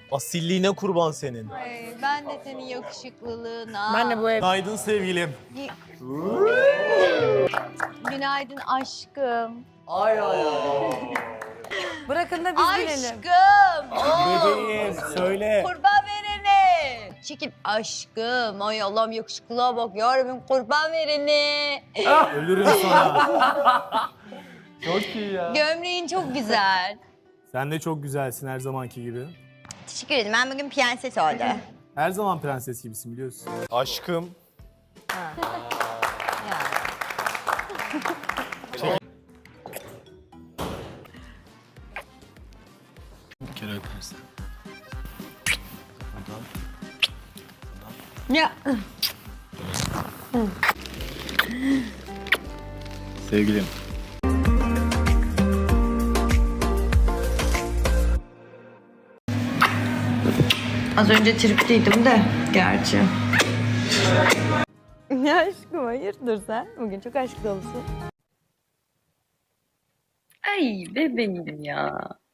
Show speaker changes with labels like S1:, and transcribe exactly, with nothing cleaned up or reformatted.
S1: Asilliğine kurban senin.
S2: Ay, ben de senin yakışıklılığına.
S3: Ben de bu ev.
S1: Günaydın sevgilim.
S2: Günaydın aşkım.
S1: Ay ay ay.
S3: Bırakın da biz binelim.
S2: Aşkım. Oo.
S1: Bebeğim söyle.
S2: Kurban verene. Çekil aşkım. Ay Allah'ım yakışıklığa bak yarabbim kurban verene.
S1: Ölürüm sana. Çok iyi ya.
S2: Gömleğin çok güzel.
S1: Sen de çok güzelsin her zamanki gibi.
S2: Teşekkür ederim. Ben bugün prenses oldum.
S1: Her zaman prenses gibisin biliyorsun. Aşkım. Bir kere öpersen.
S2: Ya.
S1: Sevgilim.
S2: Az önce tripteydim de gerçi.
S3: Ya aşkım hayırdır sen? Bugün çok aşk dolusun.
S4: Ay bebeğim ya.